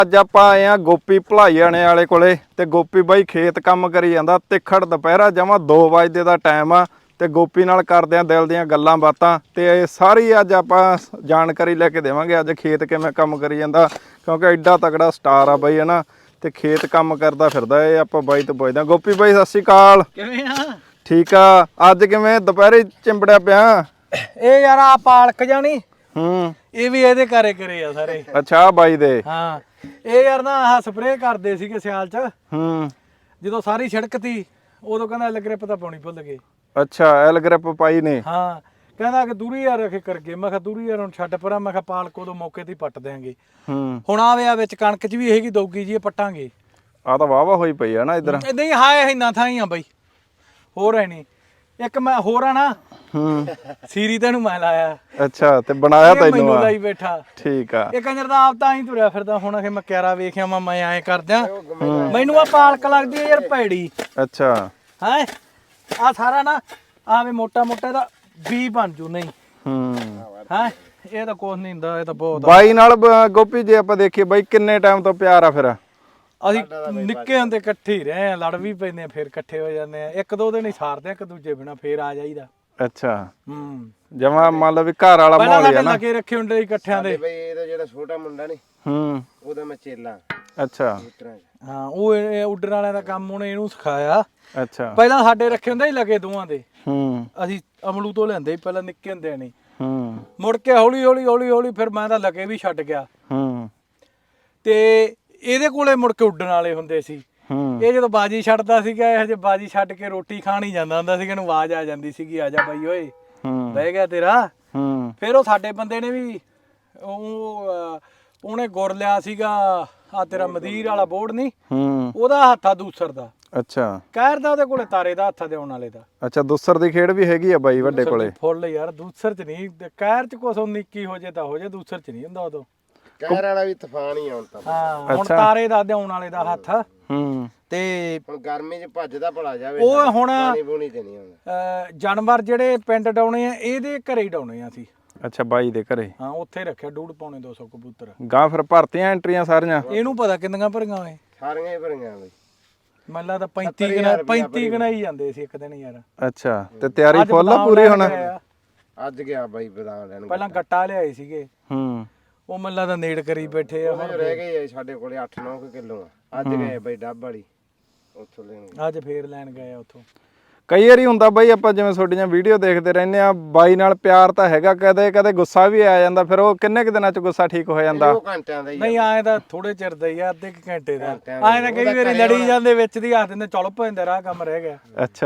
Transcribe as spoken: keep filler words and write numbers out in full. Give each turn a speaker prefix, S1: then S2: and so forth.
S1: ਅੱਜ ਆਪਾਂ ਆਏ ਆ ਗੋਪੀ ਭਲਾਈਆਣੇ ਵਾਲੇ ਕੋਲੇ ਤੇ ਗੋਪੀ ਬਾਈ ਖੇਤ ਕੰਮ ਕਰੀ ਜਾਂਦਾ। ਤਿੱਖੜ ਦੁਪਹਿਰਾ ਜਮਾ ਦੋ ਵਜੇ ਦਾ ਟਾਈਮ ਆ ਤੇ ਗੋਪੀ ਨਾਲ ਕਰਦੇ ਆ ਦਿਲ ਦੀਆਂ ਗੱਲਾਂ ਬਾਤਾਂ ਤੇ ਇਹ ਸਾਰੀ ਅੱਜ ਆਪਾਂ ਜਾਣਕਾਰੀ ਲੈ ਕੇ ਦੇਵਾਂਗੇ। ਅੱਜ ਖੇਤ ਕਿਵੇਂ ਕੰਮ ਕਰੀ ਜਾਂਦਾ ਕਿਉਂਕਿ ਐਡਾ ਤਕੜਾ ਸਟਾਰ ਆ ਬਾਈ ਹਨਾ ਤੇ ਖੇਤ ਕੰਮ ਕਰਦਾ ਫਿਰਦਾ। ਇਹ ਆਪਾਂ ਬਾਈ ਤੋਂ ਪੁੱਛਦੇ ਆ। ਗੋਪੀ ਬਾਈ ਸਤਿ ਸ਼੍ਰੀ ਅਕਾਲ।
S2: ਕਿਵੇਂ ਆ?
S1: ਠੀਕ ਆ। ਅੱਜ ਕਿਵੇਂ ਦੁਪਹਿਰੇ ਚਿੰਬੜਿਆ ਪਿਆ?
S2: ਇਹ ਯਾਰ ਆ ਪਾਲਕ ਜਾਣੀ
S1: ਹੂੰ
S2: ਇਹ ਵੀ ਇਹਦੇ ਘਰੇ ਕਰੇ ਆ ਸਾਰੇ।
S1: ਅੱਛਾ ਬਾਈ ਦੇ।
S2: ਹਾਂ ਇਹ ਯਾਰ ਨਾ ਆਹ ਸਪਰੇਅ ਕਰਦੇ ਸੀਗੇ ਸਿਆਲ ਚ।
S1: ਹੂੰ
S2: ਜਦੋਂ ਸਾਰੀ ਛਿੜਕਤੀ ਉਦੋਂ ਕਹਿੰਦਾ ਐਲ ਗ੍ਰਿਪ ਤਾਂ ਪਾਉਣੀ ਭੁੱਲ ਗਏ।
S1: ਅੱਛਾ ਐਲ ਗ੍ਰਿਪ ਪਾਈ ਨੇ।
S2: ਹਾਂ ਕਹਿੰਦਾ ਕਿ ਦੂਰੀ ਯਾਰ ਰੱਖੇ ਕਰਕੇ। ਮੈਂ ਕਿਹਾ ਦੂਰੀ ਯਾਰ ਹੁਣ ਛੱਡ ਪਰਾਂ। ਮੈਂ ਕਿਹਾ ਪਾਲਕ ਉਦੋਂ ਮੌਕੇ ਤੇ ਹੀ ਪੱਟ ਦਿਆਂਗੇ।
S1: ਹੂੰ
S2: ਹੁਣ ਆਵੇ ਆ ਵਿੱਚ ਕਣਕ ਚ ਵੀ ਹੈਗੀ ਦੋਗੀ ਜੀ ਇਹ ਪੱਟਾਂਗੇ।
S1: ਆ ਤਾਂ ਵਾਵਾ ਹੋਈ ਪਈ ਆ ਨਾ ਇਧਰ।
S2: ਇਦਾਂ ਹੀ ਹਾਏ ਇੰਨਾ ਥਾਂ ਹੀ ਆ ਬਾਈ। ਹੋਰ ਹੈ ਨਹੀਂ ਇੱਕ ਮੈਂ ਹੋਰ ਆ ਨਾ।
S1: ਹੂੰ
S2: ਸੀਰੀ ਤੈਨੂੰ ਮੈਂ ਲਾਇਆ।
S1: ਅੱਛਾ ਤੇ ਬਣਾਇਆ ਤੈਨੂੰ
S2: ਮੈਨੂੰ
S1: ਆ।
S2: ਲਾਈ ਬੈਠਾ।
S1: ਠੀਕ ਆ।
S2: ਇਹ ਕੰਜਰ ਦਾ ਆਪ ਤਾਂ ਹੀ ਤੁਰਿਆ ਫਿਰਦਾ। ਹੁਣ ਅਖੇ ਮੈਂ ਕਿਆਰਾ ਵੇਖਿਆ ਮੈਂ ਮੈਂ ਐਂ ਕਰਦਿਆਂ ਮੈਨੂੰ ਆ ਪਾਲਕ ਲੱਗਦੀ ਹੈ ਯਾਰ ਭੈੜੀ।
S1: ਅੱਛਾ
S2: ਹੈ ਆ ਸਾਰਾ ਨਾ ਆਵੇ ਮੋਟਾ ਮੋਟਾ ਦਾ ਵੀ ਬਣ ਜੂ ਨਹੀਂ।
S1: ਹੂੰ
S2: ਹੈ ਇਹ ਤਾਂ ਕੁਛ ਨਹੀਂ ਹੁੰਦਾ। ਇਹ ਤਾਂ ਬਹੁਤ
S1: ਬਾਈ ਨਾਲ ਬ- ਗੋਪੀ ਜੇ ਆਪਾਂ ਦੇਖੀਏ ਬਾਈ ਕਿੰਨੇ ਟਾਈਮ ਤੋਂ ਪਿਆਰ ਆ ਫਿਰ?
S2: ਅਸੀਂ ਨਿੱਕੇ ਹੁੰਦੇ ਇਕੱਠੇ ਹੀ ਰਹੇ ਆ। ਲੜ ਵੀ ਪੈਂਦੇ ਆ ਫਿਰ ਇਕੱਠੇ ਹੋ ਜਾਂਦੇ ਆ। ਇੱਕ ਦੋ ਦਿਨ ਹੀ ਸਾਰਦੇ ਆ ਇੱਕ ਦੂਜੇ ਬਿਨਾ ਫਿਰ ਆ ਜਾਈਦਾ।
S1: ਅੱਛਾ
S2: ਹੂੰ
S1: ਜਮਾ ਮੰਨ ਲਓ ਵੀ ਘਰ ਵਾਲਾ
S2: ਪਹਿਲਾਂ
S1: ਮਾਹੌਲ ਆ
S2: ਸਾਡੇ
S1: ਨਾ।
S2: ਲੱਗੇ ਰੱਖੇ ਹੁੰਦੇ ਸੀ ਇਕੱਠਿਆਂ ਦੇ।
S3: ਬਈ ਇਹਦਾ ਜਿਹੜਾ ਛੋਟਾ ਮੁੰਡਾ ਨੀ
S1: ਹੂੰ
S3: ਉਹਦਾ ਮੈਂ ਚੇਲਾ
S1: ਅੱਛਾ
S3: ਪੁੱਤਰਾਂ ਚ।
S2: ਹਾਂ ਉਹ ਇਹ ਉੱਡਣ ਵਾਲਿਆਂ ਦਾ ਕੰਮ ਉਹਨੇ ਇਹਨੂੰ ਸਿਖਾਇਆ।
S1: ਅੱਛਾ
S2: ਪਹਿਲਾਂ ਸਾਡੇ ਰੱਖੇ ਹੁੰਦੇ ਸੀ ਲੱਗੇ ਦੋਵਾਂ ਦੇ।
S1: ਹੂੰ
S2: ਅਸੀਂ ਅਮਲੂ ਤੋਂ ਲੈਂਦੇ ਸੀ ਪਹਿਲਾਂ ਨਿੱਕੇ ਹੁੰਦੇ ਨਹੀਂ।
S1: ਹੂੰ
S2: ਮੁੜ ਕੇ ਹੌਲੀ ਹੌਲੀ ਹੌਲੀ ਹੌਲੀ ਫਿਰ ਮੈਂ ਤਾਂ ਲੱਗੇ ਵੀ ਛੱਡ ਗਿਆ
S1: ਹੂੰ
S2: ਤੇ ਇਹਦੇ ਕੋਲੇ ਮੁੜ ਕੇ ਉੱਡਣ ਵਾਲੇ ਹੁੰਦੇ ਸੀ।
S1: ਹੂੰ
S2: ਇਹ ਜਦੋਂ ਬਾਜੀ ਛੱਡਦਾ ਸੀਗਾ ਇਹ ਹਜੇ ਬਾਜੀ ਛੱਡ ਕੇ ਰੋਟੀ ਖਾਣ ਹੀ ਜਾਂਦਾ ਹੁੰਦਾ ਸੀ। ਇਹਨੂੰ ਆਵਾਜ਼ ਆ ਜਾਂਦੀ ਸੀਗੀ ਆ ਜਾ ਬਾਈ ਓਏ
S1: ਹੂੰ
S2: ਬਹਿ ਗਿਆ ਤੇਰਾ।
S1: ਹੂੰ
S2: ਫਿਰ ਉਹ ਸਾਡੇ ਬੰਦੇ ਨੇ ਵੀ ਉਹ ਅਹ, ਉਹਨੇ ਗੁਰ ਲਿਆ ਸੀਗਾ ਆ ਤੇਰਾ ਮਦੀਰ ਵਾਲਾ ਬੋਰਡ ਨਹੀਂ
S1: ਹੂੰ
S2: ਉਹਦਾ ਹੱਥਾ ਦੂਸਰ ਦਾ
S1: ਅੱਛਾ
S2: ਕਹਿਰ ਦਾ ਉਹਦੇ ਕੋਲੇ ਤਾਰੇ ਦਾ ਹੱਥਾ ਦੇਉਣ ਵਾਲੇ ਦਾ।
S1: ਅੱਛਾ ਦੂਸਰ ਦੀ ਖੇਡ ਵੀ ਹੈਗੀ ਆ ਬਾਈ ਵੱਡੇ ਕੋਲੇ।
S2: ਫੁੱਲ ਯਾਰ ਦੂਸਰ ਚ ਨਹੀਂ ਕਹਿਰ ਚ ਕੁਛ ਨਿੱਕੀ ਹੋ ਜੇ ਤਾਂ ਹੋ ਜੇ ਦੂਸਰ ਚ ਨਹੀਂ ਹੁੰਦਾ ਉਦੋਂ।
S3: ਕਹਿਰ ਵਾਲਾ ਵੀ ਤੂਫਾਨ ਹੀ ਆਉਣ ਤਾਂ।
S2: ਹਾਂ ਹੁਣ ਤਾਰੇ ਦਾ ਦੇਉਣ ਵਾਲੇ ਦਾ ਹੱਥ
S1: ਹੂੰ
S2: ਤੇ
S3: ਹੁਣ ਗਰਮੀ ਚ ਭੱਜਦਾ ਭਲਾ ਜਾਵੇ
S2: ਉਹ ਹੁਣ
S3: ਪਾਣੀ ਪੂਣੀ ਤੇ ਨਹੀਂ ਆਉਂਦਾ।
S2: ਅਹ, ਜਾਨਵਰ ਜਿਹੜੇ ਪਿੰਡ ਡਾਉਣੇ ਆ ਇਹਦੇ ਘਰੇ ਹੀ ਡਾਉਣੇ ਆ ਅਸੀਂ।
S1: ਅੱਛਾ ਬਾਈ ਦੇ ਘਰੇ।
S2: ਹਾਂ ਉੱਥੇ ਰੱਖਿਆ ਡੂਢ ਪੌਣੇ ਦੋ ਸੌ ਕਬੂਤਰ।
S1: ਗਾਂ ਫਿਰ ਭਰਤੀਆਂ ਐਂਟਰੀਆਂ ਸਾਰੀਆਂ?
S2: ਇਹਨੂੰ ਪਤਾ ਕਿੰਨੀਆਂ ਭਰੀਆਂ ਓਏ।
S3: ਸਾਰੀਆਂ ਹੀ ਭਰੀਆਂ ਬਈ।
S2: ਮੈਨੂੰ ਲੱਗਦਾ ਪੈਂਤੀ ਗਣਾ ਪੈਂਤੀ ਗਣਾ ਹੀ ਜਾਂਦੇ ਸੀ ਇੱਕ ਦਿਨ ਯਾਰ।
S1: ਅੱਛਾ ਤੇ ਤਿਆਰੀ
S2: ਅੱਜ
S1: ਫੁੱਲ ਆ
S2: ਬਦਾਮ
S1: ਪੂਰੀ
S2: ਲੈਣ
S1: ਹੁਣ?
S2: ਗਏ ਆ।
S3: ਅੱਜ ਗਿਆ ਬਾਈ ਬਦਾਮ ਲੈਣ।
S2: ਪਹਿਲਾਂ ਗੱਟਾ ਲਿਆਏ ਸੀਗੇ
S1: ਹੂੰ
S2: ਉਹ ਮੈਨੂੰ ਲੱਗਦਾ ਨੇੜ ਕਰੀ ਬੈਠੇ ਆ।
S3: ਉਹ ਰਹਿ ਗਏ ਆ ਸਾਡੇ ਕੋਲੇ ਅੱਠ ਨੌ ਕਿਲੋ ਆ। ਅੱਜ ਗਏ ਬਾਈ ਡੱਬ ਵਾਲੀ ਉੱਥੋਂ ਲੈਣ।
S2: ਅੱਜ ਫੇਰ ਲੈਣ ਗਏ ਆ ਉੱਥੋਂ।
S1: ਕਈ ਵਾਰੀ ਹੁੰਦਾ ਬਾਈ ਆਪਾਂ ਜਿਵੇਂ ਤੁਹਾਡੀਆਂ ਵੀਡੀਓ ਦੇਖਦੇ ਰਹਿੰਦੇ ਆ ਬਾਈ ਨਾਲ ਪਿਆਰ ਤਾਂ ਹੈਗਾ ਕਦੇ ਕਦੇ ਗੁੱਸਾ ਵੀ ਆ ਜਾਂਦਾ ਫਿਰ ਉਹ ਕਿੰਨੇ ਕੁ ਦਿਨਾਂ ਚ ਗੁੱਸਾ ਠੀਕ ਹੋ ਜਾਂਦਾ?
S3: ਦੋ ਘੰਟਿਆਂ ਦਾ ਹੀ ਆ।
S2: ਨਹੀਂ ਆਏ ਤਾਂ ਥੋੜੇ ਚਿਰ ਦਾ ਹੀ ਆ ਅੱਧੇ ਕੁ ਘੰਟੇ ਦਾ। ਆਏ ਤਾਂ ਕਈ ਵਾਰੀ ਲੜੀ ਜਾਂਦੇ ਵਿੱਚ ਦੀ ਹੱਥ ਦਿੰਦੇ ਚਲ ਪੈਂਦੇ ਰਾਹ ਕੰਮ ਰਹਿ ਗਿਆ।
S1: ਅੱਛਾ